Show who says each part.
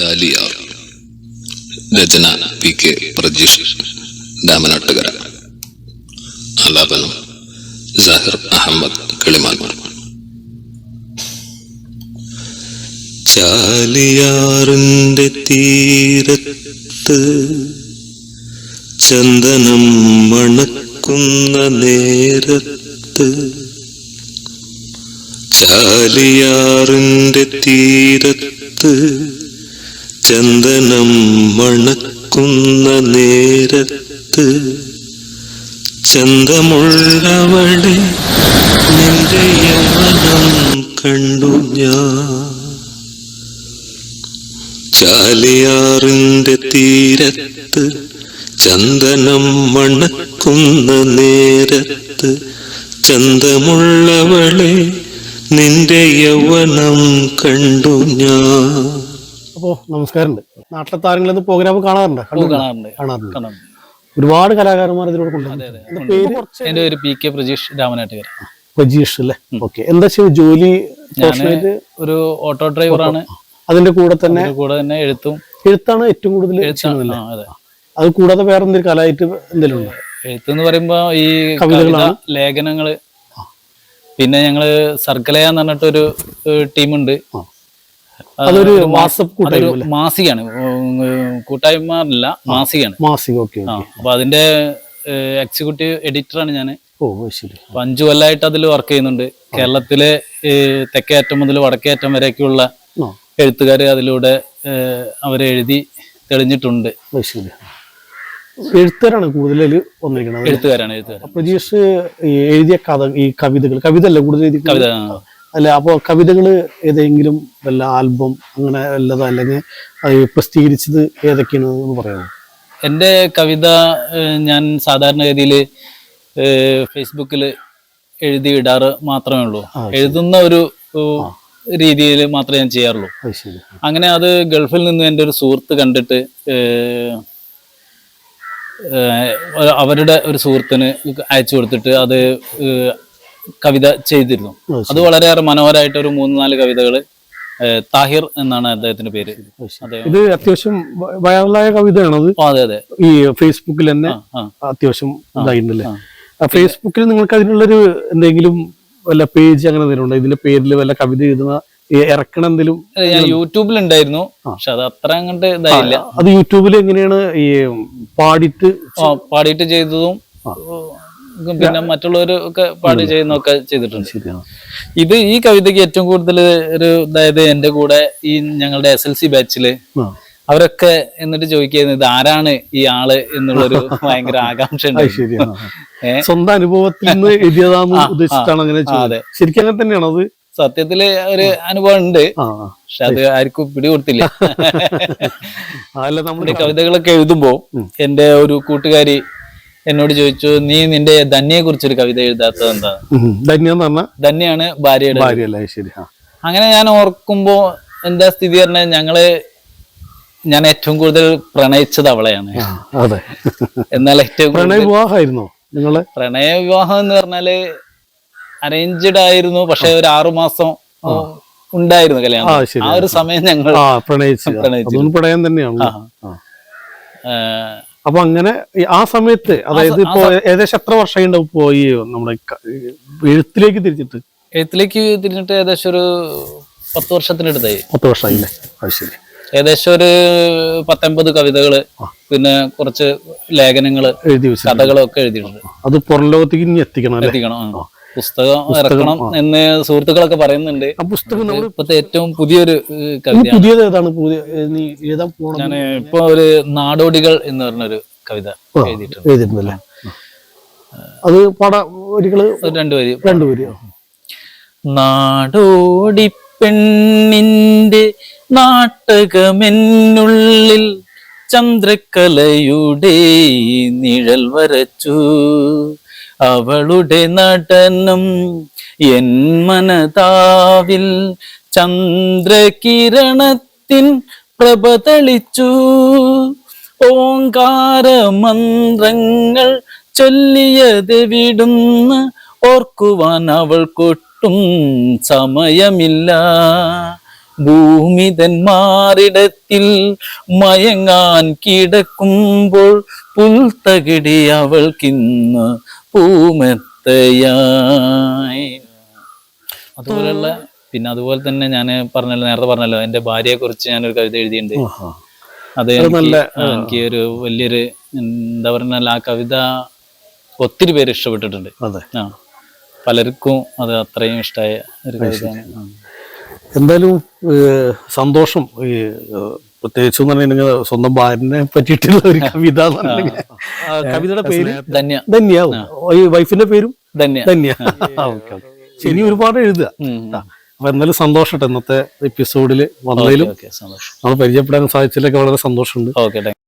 Speaker 1: ചാലിയാർ. രചന PK Prajeesh Ramanattukara. ആലാപനം സാഹിർ അഹമ്മദ് കിളിമാൻ. ചാലിയാറിന്റെ തീരത്ത് ചന്ദനം മണക്കുന്ന നേരത്ത്, ചാലിയാറിന്റെ തീരത്ത് ചന്ദനം മണക്കുന്ന നേരത്ത്, ചന്തമുള്ളവളെ നിന്റെ യൗവനം കണ്ടു ഞാൻ. ചാലിയാറിന്റെ തീരത്ത് ചന്ദനം മണക്കുന്ന നേരത്ത്, ചന്തമുള്ളവളെ നിന്റെ യൗവനം കണ്ടു ഞാൻ.
Speaker 2: അപ്പോ നമസ്കാരമുണ്ട്. നാട്ടിലെ താരങ്ങളെന്ന് പ്രോഗ്രാം കാണാറുണ്ട്. ഒരുപാട് കലാകാരന്മാർ ഇതിലൂടെ കൊണ്ടുവരുന്നുണ്ട്.
Speaker 3: എന്റെ പേര് PK പ്രജീഷ് രാമനാട്ടുകര.
Speaker 2: പ്രജീഷ് അല്ലേ? ഓക്കെ. എന്താ ജോലി?
Speaker 3: ഒരു ഓട്ടോ ഡ്രൈവറാണ്.
Speaker 2: അതിന്റെ കൂടെ തന്നെ എഴുത്താണ് ഏറ്റവും കൂടുതൽ. അത് കൂടാതെ വേറെ എന്തെങ്കിലും കലായിട്ട് എന്തെങ്കിലും ഉണ്ടോ?
Speaker 3: എഴുത്ത് പറയുമ്പോ ഈ കവിതകളാണ്, ലേഖനങ്ങള്. പിന്നെ ഞങ്ങള് സർക്കലയ എന്ന് പറഞ്ഞിട്ടൊരു ടീമുണ്ട്.
Speaker 2: അതൊരു
Speaker 3: മാസികയാണ്, കൂട്ടായ്മ അല്ല, മാസികയാണ്. അപ്പൊ അതിന്റെ എക്സിക്യൂട്ടീവ് എഡിറ്ററാണ് ഞാന്. 5 കൊല്ലമായിട്ട് അതിൽ വർക്ക് ചെയ്യുന്നുണ്ട്. കേരളത്തിലെ തെക്കേയറ്റം മുതൽ വടക്കേയറ്റം വരെയൊക്കെയുള്ള എഴുത്തുകാര് അതിലൂടെ അവരെ എഴുതി തെളിഞ്ഞിട്ടുണ്ട്.
Speaker 2: എഴുത്തുകാരാണ് കൂടുതൽ വന്നിരിക്കുന്നത്.
Speaker 3: എഴുത്തുകാരാണ്.
Speaker 2: പ്രജീഷ് എഴുതിയ കവിത അല്ല കൂടുതൽ
Speaker 3: കവിത
Speaker 2: അല്ല. അപ്പൊ കവിതകള് ഏതെങ്കിലും വല്ല ആൽബം അങ്ങനെ വല്ലതോ, അല്ലെങ്കിൽ പ്രസിദ്ധീകരിച്ചത് ഏതൊക്കെയാണെന്ന് പറയാമോ?
Speaker 3: എൻ്റെ കവിത ഞാൻ സാധാരണഗതിയിൽ ഫേസ്ബുക്കിൽ എഴുതി ഇടാറ് മാത്രമേ ഉള്ളൂ. എഴുതുന്ന ഒരു രീതിയിൽ മാത്രമേ ഞാൻ ചെയ്യാറുള്ളൂ. അങ്ങനെ അത് ഗൾഫിൽ നിന്ന് എൻ്റെ ഒരു സുഹൃത്ത് കണ്ടിട്ട് അവരുടെ ഒരു സുഹൃത്തിന് അയച്ചു കൊടുത്തിട്ട് അത് കവിത ചെയ്തിരുന്നു. അത് വളരെയേറെ മനോഹരമായിട്ട് ഒരു 3-4 കവിതകള്. താഹിർ എന്നാണ് അദ്ദേഹത്തിന്റെ പേര്.
Speaker 2: ഇത് അത്യാവശ്യം വൈറലായ കവിതയാണത്.
Speaker 3: അതെ.
Speaker 2: ഈ ഫേസ്ബുക്കിൽ തന്നെ അത്യാവശ്യം ഇതായിട്ടുണ്ടല്ലേ? ഫേസ്ബുക്കിൽ നിങ്ങൾക്ക് അതിനുള്ളൊരു എന്തെങ്കിലും വല്ല പേജ് അങ്ങനെ എന്തെങ്കിലും ഉണ്ടോ? ഇതിന്റെ പേരിൽ വല്ല കവിത എഴുതുന്ന ഇറക്കണം എന്തെങ്കിലും?
Speaker 3: ഞാൻ യൂട്യൂബിൽ ഉണ്ടായിരുന്നു, പക്ഷെ അത് അത്ര അങ്ങോട്ട് ഇതായില്ല.
Speaker 2: അത് യൂട്യൂബിൽ എങ്ങനെയാണ് ഈ
Speaker 3: പാടിയിട്ട് ചെയ്തതും പിന്നെ മറ്റുള്ളവരൊക്കെ പാടി ചെയ്യുന്നൊക്കെ ചെയ്തിട്ടുണ്ട്. ഇത് ഈ കവിതയ്ക്ക് ഏറ്റവും കൂടുതൽ ഒരു അതായത് എന്റെ കൂടെ ഈ ഞങ്ങളുടെ SLC ബാച്ചില് അവരൊക്കെ എന്നിട്ട് ചോദിക്കുന്നത് ഇത് ആരാണ് ഈ ആള് എന്നുള്ളൊരു ഭയങ്കര ആകാംക്ഷ ഉണ്ട്.
Speaker 2: സ്വന്തം അനുഭവത്തിൽ നിന്ന് എഴുതിയതാന്ന് ഉദ്ദേശിച്ചിട്ടാണ് അങ്ങനെ? ശരിക്കും അങ്ങനെ തന്നെയാണോ? അത്
Speaker 3: സത്യത്തില് ഒരു അനുഭവം ഉണ്ട്, പക്ഷെ അത് ആർക്കും പിടികൊടുത്തില്ല. നമ്മുടെ കവിതകളൊക്കെ എഴുതുമ്പോ എന്റെ ഒരു കൂട്ടുകാരി എന്നോട് ചോദിച്ചു, നീ നിന്റെ ധന്യയെ കുറിച്ചൊരു കവിത എഴുതാത്തത് എന്താ? ധന്യാണ് ഭാര്യയുടെ. അങ്ങനെ ഞാൻ ഓർക്കുമ്പോ എന്താ സ്ഥിതി പറഞ്ഞാൽ ഞാൻ ഏറ്റവും കൂടുതൽ പ്രണയിച്ചത് അവളെയാണ്. എന്നാൽ ഏറ്റവും പ്രണയ വിവാഹം എന്ന് പറഞ്ഞാല് അറേഞ്ച്ഡ് ആയിരുന്നു, പക്ഷെ ഒരു 6 മാസം ഉണ്ടായിരുന്നു കല്യാണം. ആ ഒരു സമയം ഞങ്ങൾ
Speaker 2: പ്രണയം തന്നെയാണ്. അപ്പൊ അങ്ങനെ ആ സമയത്ത്, അതായത് ഇപ്പൊ ഏകദേശം എത്ര വർഷം ഉണ്ടാവും ഇപ്പോ ഈ നമ്മുടെ എഴുത്തിലേക്ക് തിരിഞ്ഞിട്ട്? ഏകദേശം ഒരു 10 വർഷത്തിനടുത്തായി. 10 വർഷമായില്ലേ? അത് ശരി.
Speaker 3: ഏകദേശം ഒരു 19 കവിതകള്, പിന്നെ കുറച്ച് ലേഖനങ്ങള്, കഥകളൊക്കെ എഴുതിയിട്ടുണ്ട്.
Speaker 2: അത് പുറം ലോകത്തേക്ക് എത്തിക്കണം.
Speaker 3: പുസ്തകം ഇറക്കണം എന്ന് സുഹൃത്തുക്കളൊക്കെ പറയുന്നുണ്ട്.
Speaker 2: പുസ്തകം
Speaker 3: ഇപ്പത്തെ ഏറ്റവും പുതിയൊരു കവിത. ഞാൻ ഇപ്പൊ ഒരു നാടോടികൾ എന്ന് പറഞ്ഞൊരു കവിത
Speaker 2: എഴുതിയിട്ടുണ്ടല്ലേ? അത് രണ്ടു വരി.
Speaker 3: നാടോടി പെണ്ണിന്റെ നാട്ടകമെന്നുള്ളിൽ ചന്ദ്രക്കലയുടെ നിഴൽ വരച്ചു, അവളുടെ നടനം എൻ മനതാവിൽ ചന്ദ്രകിരണത്തിൻ പ്രഭ തെളിച്ചു. ഓങ്കാര മന്ത്രങ്ങൾ ചൊല്ലിയതെവിടുന്ന് ഓർക്കുവാൻ അവൾക്കൊട്ടും സമയമില്ല. ഭൂമിതന്മാരിടത്തിൽ മയങ്ങാൻ കിടക്കുമ്പോൾ പുൽത്തകിടി അവൾക്കിന്ന് പൂമെത്തയായി. അതുപോലെയുള്ള പിന്നെ അതുപോലെ തന്നെ ഞാൻ നേരത്തെ പറഞ്ഞല്ലോ എൻ്റെ ഭാര്യയെ കുറിച്ച് ഞാനൊരു കവിത എഴുതിയിട്ടുണ്ട്. അത് എനിക്ക് ഒരു വലിയൊരു എന്താ പറഞ്ഞാൽ ആ കവിത ഒത്തിരി പേര് ഇഷ്ടപ്പെട്ടിട്ടുണ്ട്. ആ, പലർക്കും അത് അത്രയും ഇഷ്ടമായ ഒരു കവിതയാണ്.
Speaker 2: എന്തായാലും സന്തോഷം. ഈ പ്രത്യേകിച്ച് പറഞ്ഞിട്ടുണ്ടെങ്കിൽ സ്വന്തം ഭാര്യനെ പറ്റിയിട്ടുള്ള ഒരു കവിത. കവിതയുടെ പേര് ധന്യ. ഈ വൈഫിന്റെ പേരും ധന്യ. ഇനി ഒരുപാട് എഴുതുക. അപ്പൊ എന്തായാലും സന്തോഷം ഇന്നത്തെ എപ്പിസോഡിൽ വന്നതിലും നമ്മൾ പരിചയപ്പെടാൻ സാധിച്ചതിലൊക്കെ വളരെ സന്തോഷമുണ്ട്.